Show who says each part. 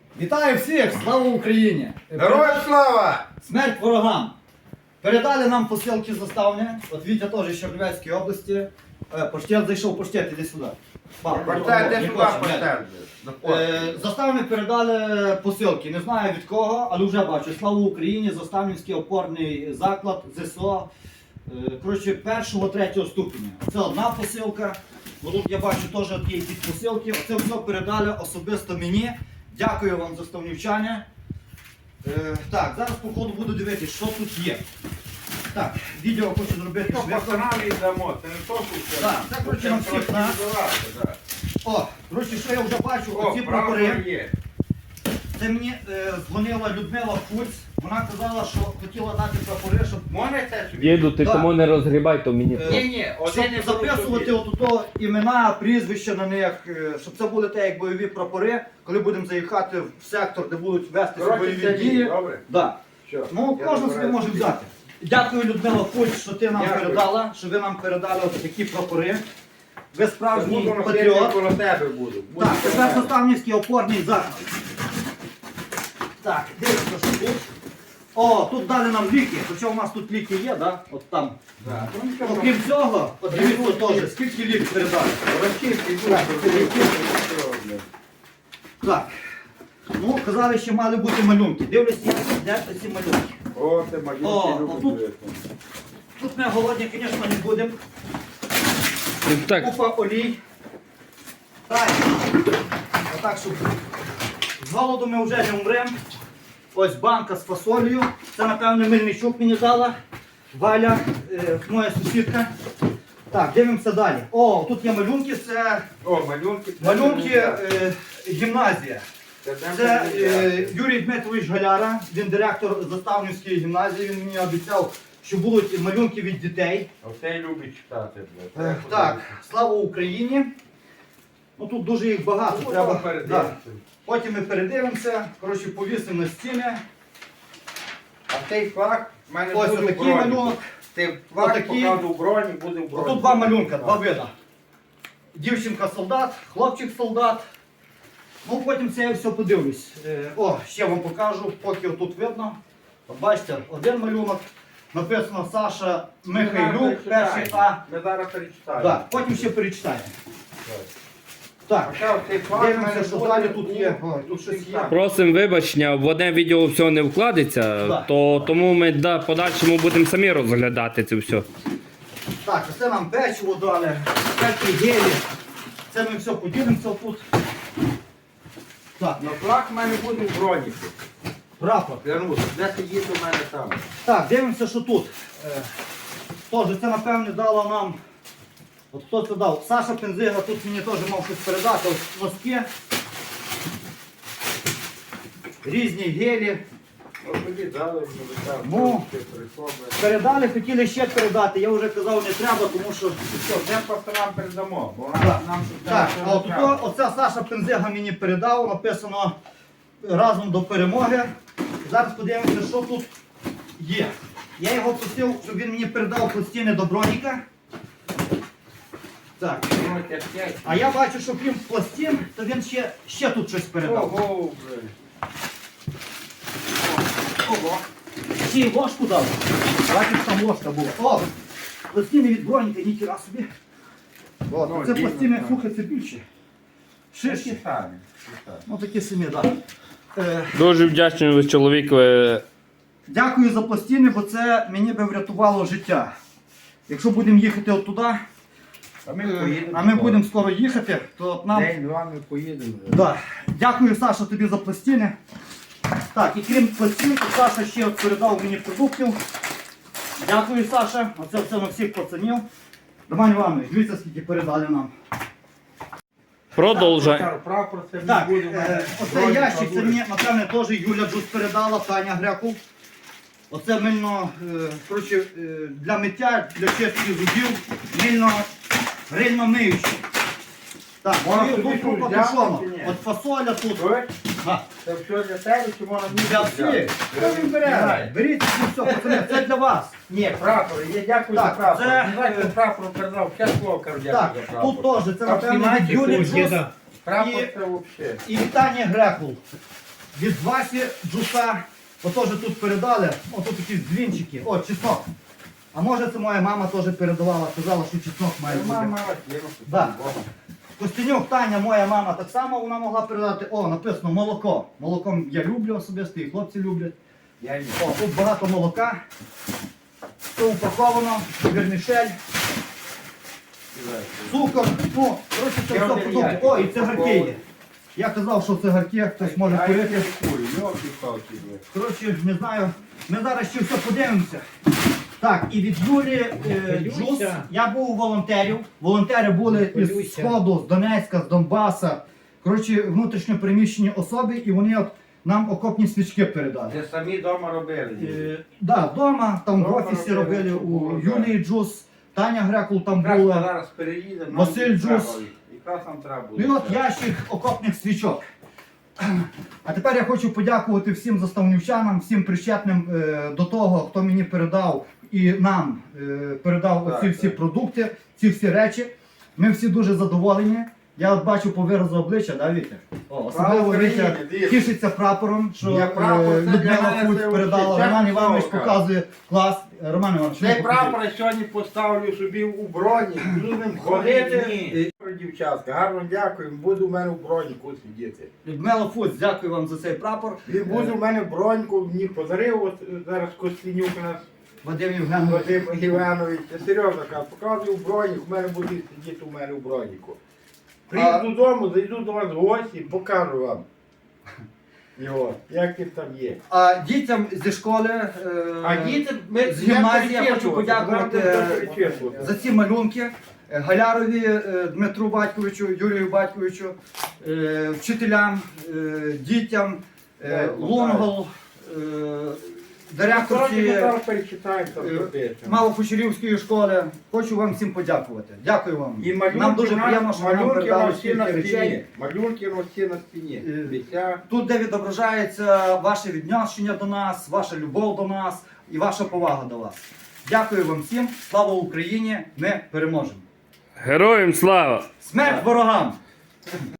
Speaker 1: Вітаю всіх! Слава Україні!
Speaker 2: Героям слава!
Speaker 1: Смерть ворогам! Передали нам посилки заставні. От Вітя теж з Чернівецької області. Поштет зайшов, поштет, іди сюди.
Speaker 2: Поштет, де сюди поштет?
Speaker 1: Заставні передали посилки. Не знаю від кого, але вже бачу. Слава Україні! Заставнівський опорний заклад ЗСО. Коротше, першого, третього ступеня. Це одна посилка. Бо тут я бачу теж є якісь посилки. Оце все передали особисто мені. Дякую вам за ставнівчання. Так, зараз по ходу буду дивитися, що тут є. Так, відео хочу зробити
Speaker 2: Що
Speaker 1: швидко.
Speaker 2: пацанам віддамо, це не то, що
Speaker 1: Так, це коротше на всіх нас. О, коротше, що я вже бачу, оці прапори.
Speaker 2: є.
Speaker 1: Це мені дзвонила Людмила Фульц. Вона казала, що хотіла дати прапори, щоб
Speaker 2: Можна це собі?
Speaker 3: Діду, ти
Speaker 1: Так.
Speaker 3: тому не розгрібай, то мені.
Speaker 2: Ні,
Speaker 1: щоб
Speaker 2: один не
Speaker 1: записувати отут імена, прізвища на них, щоб це були те, як бойові прапори, коли будемо заїхати в сектор, де будуть вестися бойові дії.
Speaker 2: Добре?
Speaker 1: Да.
Speaker 2: Що?
Speaker 1: Ну,
Speaker 2: Я
Speaker 1: кожен собі
Speaker 2: забираю
Speaker 1: може
Speaker 2: собі.
Speaker 1: взяти. Дякую, Людмила Фульц, що ти нам
Speaker 2: Дякую.
Speaker 1: передала, що ви нам передали ось такі прапори. Ви справжній
Speaker 2: Буду носити,
Speaker 1: патріот.
Speaker 2: коло тебе буду. Буду
Speaker 1: Так,
Speaker 2: коло
Speaker 1: тепер
Speaker 2: тебе.
Speaker 1: Заставнівський опорний заклад. Так, дивіться, що тут. О, тут дали нам ліки, хоча у нас тут ліки є, да? От там.
Speaker 2: Да. Ну, нічого,
Speaker 1: Окрім цього, от дивіться теж, скільки ліків передали.
Speaker 2: Російський був,
Speaker 1: Так. Ну, казали, що мали бути малюнки. Дивлюся, де ці малюнки.
Speaker 2: О, ти
Speaker 1: О,
Speaker 2: малюнки
Speaker 1: отут.
Speaker 2: любиш.
Speaker 1: Тут ми голодні, звісно, не будемо.
Speaker 3: Так,
Speaker 1: Купа олій. Так. Отак, щоб з голоду ми вже не умремо. Ось банка з фасолею. Це, напевно, Мельничук мені дала. Валя, моя сусідка. Так, дивимося далі. О, тут є малюнки, це
Speaker 2: О, малюнки.
Speaker 1: малюнки гімназія. Це Юрій Дмитрович Галяра, він директор Заставнівської гімназії, він мені обіцяв, що будуть малюнки від дітей.
Speaker 2: Оце любить читати. блядь.
Speaker 1: Так, слава Україні. Ну тут дуже їх багато,
Speaker 2: Ну,
Speaker 1: треба.
Speaker 2: потім передивимося.
Speaker 1: Да. Потім ми передивимося, коротше, повісимо на стіни.
Speaker 2: А цей флаг в мене
Speaker 1: Ось
Speaker 2: буде в
Speaker 1: отакий
Speaker 2: броні.
Speaker 1: малюнок.
Speaker 2: Цей флаг
Speaker 1: Отакий.
Speaker 2: покладу в броні, буде в броні.
Speaker 1: Тут два малюнка, два вида. Дівчинка-солдат, хлопчик-солдат. Ну потім це я все подивлюсь. О, ще вам покажу, поки отут видно. От бачите, один малюнок. Написано Саша Михайлюк, перший А.
Speaker 2: Ми зараз перечитаємо.
Speaker 1: Да, потім ще перечитаємо. Так, дивимося, що далі тут є. Ой, тут щось є.
Speaker 3: просимо вибачення, в одне відео все не вкладеться,
Speaker 1: Да.
Speaker 3: то тому ми подальшому будемо самі розглядати це все.
Speaker 1: Так, це нам печиво дали, всякі гелі. Це ми все поділимося тут. Так,
Speaker 2: Но флаг в мене буде в броні.
Speaker 1: прапор.
Speaker 2: Клянусь, де сидіти у мене там.
Speaker 1: Так, дивимося, що тут. Тож, це напевне дало нам. От хто це дав? Саша Пензига тут мені теж мав щось передати. Ось носки. Різні гелі.
Speaker 2: От тоді дали, мені там
Speaker 1: Ну.
Speaker 2: прийшло.
Speaker 1: Передали, хотіли ще передати. Я вже казав, не треба, тому що.
Speaker 2: Все, вже просто нам передамо, бо
Speaker 1: Так,
Speaker 2: нам тут
Speaker 1: так,
Speaker 2: нічого
Speaker 1: а
Speaker 2: не
Speaker 1: от
Speaker 2: треба.
Speaker 1: оце Саша Пензига мені передав, написано разом до перемоги. Зараз подивимося, що тут є. Я його просив, щоб він мені передав пластини до броніка. Так.
Speaker 2: Ну, тяжке.
Speaker 1: А я бачу, що крім пластин, то він ще тут щось передав.
Speaker 2: Ого, блин.
Speaker 1: Ого. Ще й ложку дав. Бачиш, там ложка була. О! Пластини від броніка, ніхіра собі. О,
Speaker 2: Ну,
Speaker 1: це
Speaker 2: дійсно,
Speaker 1: пластини,
Speaker 2: так.
Speaker 1: слухай, це більше. Ширші.
Speaker 2: Такі самі.
Speaker 1: Ну такі самі, так.
Speaker 3: Дуже вдячний ви чоловікові.
Speaker 1: Дякую за пластини, бо це мені би врятувало життя. Якщо будемо їхати от туди,
Speaker 2: А ми поїдемо.
Speaker 1: а ми будемо скоро їхати, то от нам...
Speaker 2: День-два ми поїдемо.
Speaker 1: Да. Дякую, Саша, тобі за пластини. Так, і крім пластин, то Саша ще от передав мені продуктів. Дякую, Саша. Оце все на всіх пацанів. Роман Іванович, дивіться, скільки передали нам.
Speaker 3: Продовжай.
Speaker 2: Прапор це
Speaker 1: Так,
Speaker 2: не буде в мене.
Speaker 1: оце ящик, це мені, напевне, теж Юля Джус передала, Таня Грекул. Оце мильно, коротше, для миття, для чистки зубів, мильно, грильно миюче. Так,
Speaker 2: Можна
Speaker 1: тут
Speaker 2: собі
Speaker 1: купа
Speaker 2: взяти
Speaker 1: тушонок.
Speaker 2: чи ні?
Speaker 1: От фасоля тут.
Speaker 2: Ой,
Speaker 1: Га.
Speaker 2: це все для тебе, чи можна мені
Speaker 1: Для
Speaker 2: взяти?
Speaker 1: всіх. Хто він бере? Беріть це все, пацани, це для вас.
Speaker 2: Ні, прапор, я дякую
Speaker 1: Так,
Speaker 2: за прапор.
Speaker 1: це,
Speaker 2: Не знаю, хто прапор передав, ще слово кажу,
Speaker 1: Так,
Speaker 2: дякую за прапор.
Speaker 1: тут теж, це
Speaker 2: Там
Speaker 1: напевно від
Speaker 2: знімайте,
Speaker 1: Юлі
Speaker 2: хтось
Speaker 1: Джус
Speaker 2: Прапор
Speaker 1: і-
Speaker 2: це взагалі.
Speaker 1: і вітання Грекул. від Васі Джуса, отож тут передали, о, тут якісь дзвінчики, о, чеснок. А може це моя мама теж передавала, казала, що чеснок має бути.
Speaker 2: Мама,
Speaker 1: Да. Костенюк, Таня, моя мама, так само вона могла передати. О, написано молоко. Молоком я люблю особисто, і хлопці люблять.
Speaker 2: Я їм.
Speaker 1: О, тут багато молока. Все упаковано, вермішель, цукор. Ну, коротше, це
Speaker 2: Я
Speaker 1: все
Speaker 2: один
Speaker 1: продукти.
Speaker 2: я.
Speaker 1: О, і цигарки є. Я казав, що цигарки хтось може курити. Коротше, не знаю. Ми зараз ще все подивимося. Так, і від Юлі Джус. Я був у волонтерів. Волонтери були із Сходу, з Донецька, з Донбаса. Коротше, внутрішньо переміщені особи, і вони от нам окопні свічки передали.
Speaker 2: Це самі вдома робили.
Speaker 1: Так, вдома, там в
Speaker 2: Дома
Speaker 1: офісі
Speaker 2: робили,
Speaker 1: робили у
Speaker 2: було,
Speaker 1: Юлії Джус, Таня Грекул там
Speaker 2: Якраз ми
Speaker 1: була.
Speaker 2: зараз переїдемо.
Speaker 1: Василь
Speaker 2: нам
Speaker 1: Джус.
Speaker 2: треба. Якраз нам треба
Speaker 1: Ну і
Speaker 2: було.
Speaker 1: от ящик окопних свічок. А тепер я хочу подякувати всім заставнівчанам, всім причетним до того, хто мені передав і нам передав
Speaker 2: Так,
Speaker 1: оці всі
Speaker 2: так.
Speaker 1: продукти, ці всі речі. Ми всі дуже задоволені. Я от бачу по виразу обличчя, да, Вітя? О, особливо
Speaker 2: України,
Speaker 1: Вітя
Speaker 2: дивіться.
Speaker 1: тішиться прапором, що
Speaker 2: Я прапор, це для
Speaker 1: Людмила
Speaker 2: мене
Speaker 1: Фуць
Speaker 2: це
Speaker 1: передала.
Speaker 2: взагалі
Speaker 1: Роман
Speaker 2: чесно
Speaker 1: Іванович
Speaker 2: слово
Speaker 1: показує клас. Роман Іванович,
Speaker 2: Цей
Speaker 1: ну,
Speaker 2: прапор я сьогодні поставлю собі у броні, буду ним ходити.
Speaker 1: Ні.
Speaker 2: Дівчатка, гарно дякую, буду в мене в броніку сидіти.
Speaker 1: Людмила Фуць, дякую вам за цей прапор.
Speaker 2: Він буде в мене в броньку, мені подарив от зараз Костянюк у нас,
Speaker 1: Вадим Євгенович.
Speaker 2: Вадим Євгенович. Я серйозно кажу, показую в бронік, в мене буде сидіти у мене в броніку. Приїду додому, зайду до вас в гості, покажу вам його, як він там є.
Speaker 1: А дітям зі школи
Speaker 2: А діти, ми
Speaker 1: з гімназії я хочу подякувати
Speaker 2: перечислювати.
Speaker 1: за ці малюнки Галярові Дмитру Батьковичу, Юрію Батьковичу, вчителям, дітям, Лунгол, директорці Малокучерівської школи. Хочу вам всім подякувати. Дякую вам.
Speaker 2: І малюнки,
Speaker 1: Нам дуже приємно, що нам
Speaker 2: малюнки
Speaker 1: передали
Speaker 2: на всі на
Speaker 1: стільки
Speaker 2: стіні.
Speaker 1: речей.
Speaker 2: Малюнки на всі на стіні. Дитя.
Speaker 1: Тут, де відображається ваше відношення до нас, ваша любов до нас і ваша повага до вас. Дякую вам всім. Слава Україні! Ми переможемо!
Speaker 3: Героям слава!
Speaker 1: Смерть ворогам!